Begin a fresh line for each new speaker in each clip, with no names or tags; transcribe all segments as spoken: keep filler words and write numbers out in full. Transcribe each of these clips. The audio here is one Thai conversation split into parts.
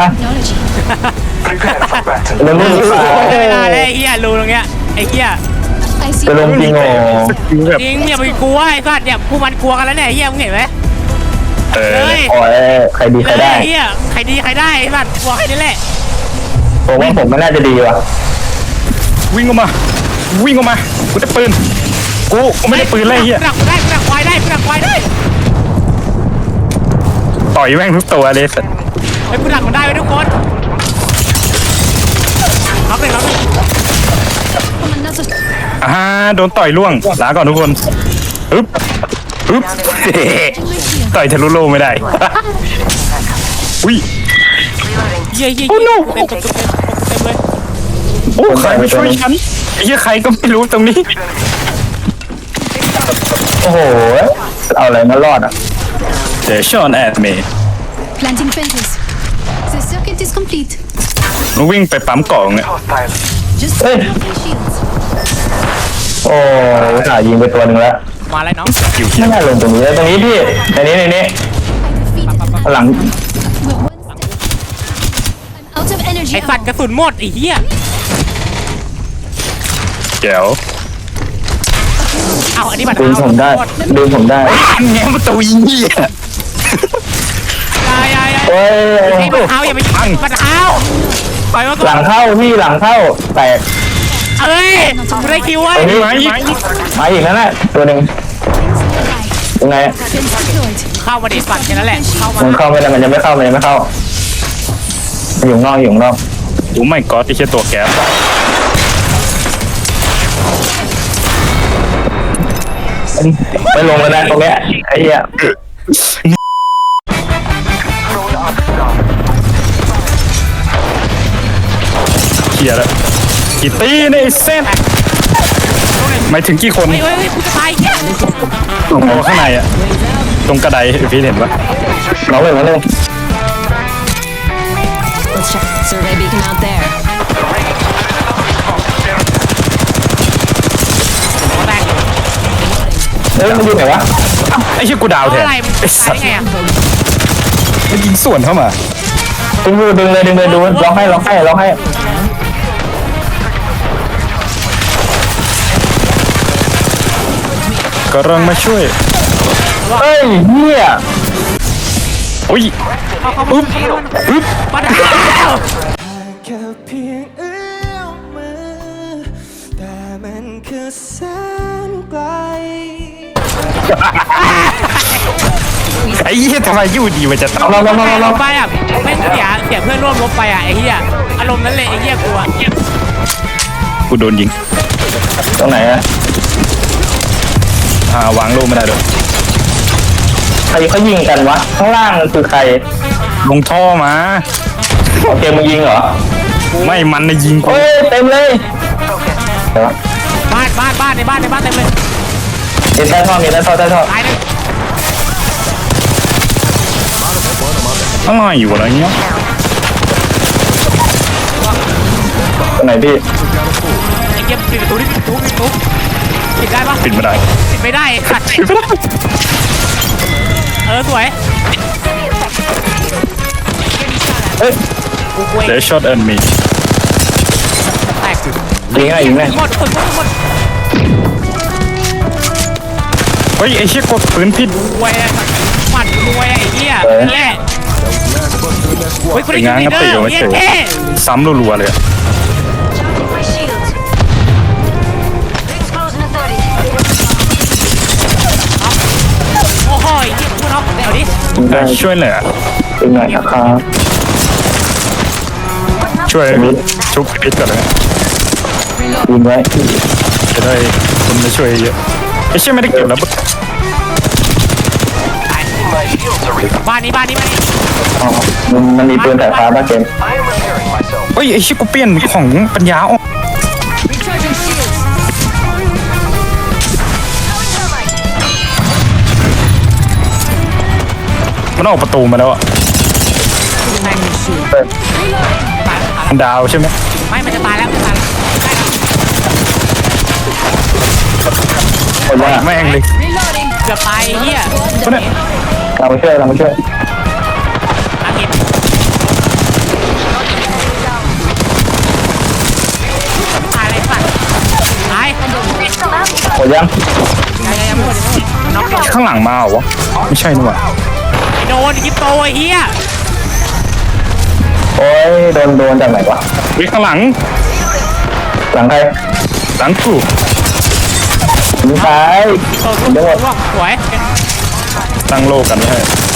เรื่องนี้
ไม่ได้เลยไอ้เหี้ยรูตรงเนี้ยไอ้เหี้ย
จะลงจริงโง่
จริงอย่าไปกลัวไอ้สัตว์เนี่ยผู้มันกลัวกันแล้วเนี่ยไอ้เหี้ยมึงเห็นไหม
เออ
เลย
โอ้ยใครดีใคร
เลย
ได้
ไอ้เหี้ยใครดีใครได้ไอ้สัตว์กลัวใครนี่แหละ
ผมว่าผมไม่น่าจะดีว่ะ
วิ่งออกมาวิ่งออกมากูได้ปืนกูกูไม่ได้ปืนเลยเฮีย
กูดักกูได้กูดักควายได้กูดักควายได้
ต่อยแม่งทุกตัวเลยสัตว์
ไอ้กูดักมันได้ไว้ทุกคนรับเลยรับเลย
อ่าโดนต่อยล่วงลาก่อนทุกคนอึ๊บอึ๊บต่อยทะลุโลไม่ได้อุ้ย
เหี้ยเหี้ย
โอ้ no
เต็มเต็มเต็มเต็มเลย
โอ้ใครมาช่วยฉันไอ้เหี้ยใครก็ไม่รู้ตรงนี้
โอ้โหเอาอะไรมารอดอ่ะ
เดี๋ยวชอนแอดเมย์
Planting fences. The circuit is complete.
มันวิ่งไปปั๊มกล่องเนี่ย
Just
Hey.
broken shields.
โอ้ยขายิงไปตัวหนึ่งแล้ว
มาเลยน้อง
อยู่
ไม่น่าลงตรงนี้ตรงนี้พี่ในนี้ในนี้
I defeated an
หลัง
We're one step. I'm out of energy.
ไอ้สัตว์กระสุนหมดไอ้เหี้ย
แจ๋ว
เอาอันนี้บัตร
ดึงผมได้ดึงผมได้
อันแง้มประตูยิงเหี้ย
ยายายา
โอ้ย
ไอ้บัตรเท้าอย่าไปบัตรเท้าปล่อยมาก่
ห
อ
ลั
น
งเข้าพี่หลังเข้าแตก
เอ้ยกูได้คิวไว้
ตรงนี้
มาอีก
มาอีกนั่นแหละตัวหนึ่งยังไง
Fence deployed.
เข้ามาดิสัตว์แค่นั้นแหละเข้ามา
มันเข้าไม่ได้มันยังไม่เข้ามันยังไม่เข้าอยู่ข้างนอกอยู่ข้างนอก
โอ้ไม่ก็ที่เชี่ยตัวแก๊ส
ไม่ลงแล้วนะตรงเนี้ยไอ้เหี้ย
เฮียแล้วกี่ตีในเส้นหมายถึงกี่คน
เฮ้ยเฮ้ยเฮ้ยกูจะตายแค่
ตรงข้างในอะตรงกระไดพี่เห็นปะ
น้องเลยน้องเลย
Let's check survey beacon out there.
หัวแตก
เฮ้ยมันอยู่ไหนวะ
ไอ้เชี่ยกูดาวแทน
อะไรมัน
ไอ้
ตา
สั
ย
ต
ได้
ว์
ไงอ่ะ
มันยิงสวนเข้ามา
ดึงมือดึงเลยดึงเลยดูร้องให้ร้องให้ร้องให้
กำลังมาช่วย
เฮ้ยเหี้ย
โอ้ย
เอาเขา
อึ๊บอึ๊บ
บัตรเท้า
แค่เพียงเอื้อมมือแต่มันคือแสนไกล
ไอ้เหี้ยทำไมอยู่ดีมันจะต้อง
ลองลองลองลองลอง
ไปอ่ะแม่งเสียเสียเพื่อนร่วมรบไปอ่ะไอ้เหี้ยอารมณ์นั้นเลยไอ้เหี้ยกูอ่ะ
กูโดนยิง
ตรงไหนอะ
อ่าวางโล่ไม่ได้ด้วย
ใครเขายิงกันวะข้างล่างคือใคร
ลงท่อมา
โอเคมึงยิงเหรอ
ไม่มันนะยิงกู
เฮ้ยเต็มเลยเดี๋ยว
บ้านบ้านบ้านในบ้านในบ้านเต็มเลย
มีใต้ท่อมีใต้ท่อใต้ท่อ
ตายเลย
อะไรอยู่อะไรเงี้ย
ตรงไหนพี่
ไอ้เหี้ยปิดประตูนี่ปิดประตูปิดประตูปิดได้ปะ
ปิดไม่ได้
ปิดไม่ได้สัตว์
ปิดไม่ได้
เออสวย
เฮ้ย
กูเว้ย
เดี๋ยวช็อตเอิร์นมี
แตก
ยิงไงยิงไง
หมดคนหมดหมด
เฮ้ยไอ้เชี่ยกดปืนผิด
รวยอะหมัดรวยอะไอ้เหี้ยนั่นแหละเฮ้ยคน
ไป
นี้
ง้าง
ยิ
ก
ง
ระ
เด้
ติ
อ
ไว้
เหี้
เฉ
ย
ย
เท่
ซ้ำรัวๆเลยอะ
My shields. Exposing authority.
โอ้โหไอ้เหี้ยพูดเอาเดี๋ยวดิ
ยิงได้
ช่วยเหลือ
เป็นไงนะครับ
ช่วยชุบพิษก่อนเลย
ยิงไว้
จะได้คนมาช่วยเยอะไอ้เชี่ยไม่ได้เก็บแล้ว
ตายบ้านนี้บ้านนี้บ้านนี้
อ๋อมันมันมีปืนสายฟ้าป่ะเกม
เฮ้ยไอ้เชี่ยกูเปลี่ยนของปัญญาอ่อน
Recharging shields.
มันออกประตูมาแล้วอ่ะ
เปิด
ตายแล้วตาย
มันดาวใช่ไหม
แล้วไม่มันจะตายแล้วมันตายแล้วตายแล้ว
คนว่า
แม่งเลย
Reloading.
เกือบตายไอ้เหี้ย
คนเนี่ย
เรามาช่วยเรามาช่วย
อาเห็น
ดยัง
ยังยังยังไม่หมดยังไม่หมดน็อก
ข้างหลังมาเหรอวะไม่ใช่นี่หว่า
ไอ้โดนยิปโตไอ้เหี้ย
โอ้ยโดนโดนจากไหนวะ
วิข้างหลัง
หลังใคร
หลังกู
ยิงซ้าย
โตร่วงร่วงสวย
ตั้งโลกันไว้ให้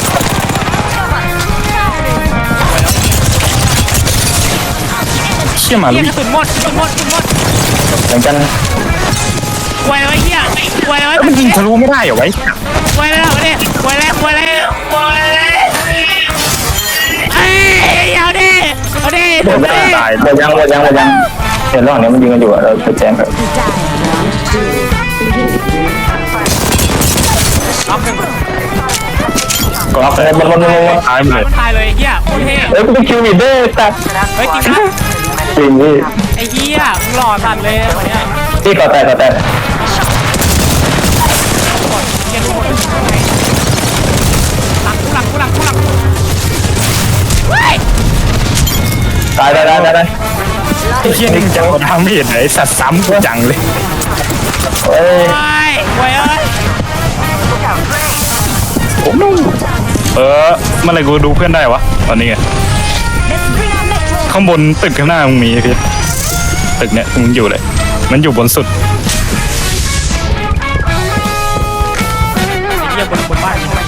เชี่ยมา
เหี้
ลุ
ย
ย
กระสุนหมดกระสุนหมดกระสุนหมด
เหมือนกัน
ควยเลยเหี้ยควยเลย
มันยิงทะลุไม่ได้เหรอไว้
ควยเลยเหรอเนี่ยควยเลยควยเลยควยเลยเอ้ยเอาดิเอาดิ
หมด
เอา
ยัง
ดิ
ตาย
หมดยังหมดยังหมดยังเห็นระหว่างนี้มันยิงกันอยู่อะเราไปแจ้งแบบ
น็อกหนึ่ง
กรอบเลยมันมันมันมัน
ตายหมดเลย
มันตายเลยไอ้เหี้ยโคตรเท่
เฮ้ยกูเป็นคิวมิดเด้ตัด
เฮ้ยจริงนะ
จริงพี่
ไอ้เหี้ยมึงหล่อสัตว์เลยวันเนี้ย
พี่ก่อแตกก่อแตก
เหี้ยทุกคนหลังกูหลังกูหลังกูหลังเฮ้ย
ตายได้ได้ได้ได้
ไอ้เชี่ยนี่จะเอาทำไม่เห็นเลยไอ้สัตว์ซ้ำกูจังเลย
เฮ้ย
โอ้ยโอ้ยเอ้ย
เออเมื่อไหรกูดูเพื่อนได้วะตอนนี้ไงข้างบนตึกข้างหน้ามึงมีไอ้พี่ตึกเนี่ยมึงอยู่เลยมันอยู่บนสุด
เหี้ยบนบนบ้านนี่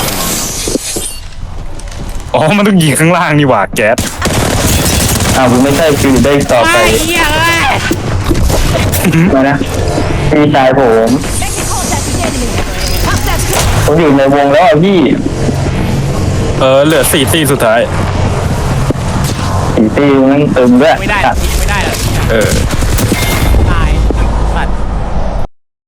อ๋อมันต้องยิงข้างล่างนี่หว่าแก๊ส
อ้าวกูไม่ใช่คิวมิดเด้ต่อไป
ไอ้เหี้ยเอ้ย
มานะพี่ชายผมผมอยู่ในวงแล้วอ่ะพี่
เออเหลือสี่ตีสุดท้าย
สีตีมันตึงด้วย
ไม่ได้ยิงไม่ได้หรอก
เออ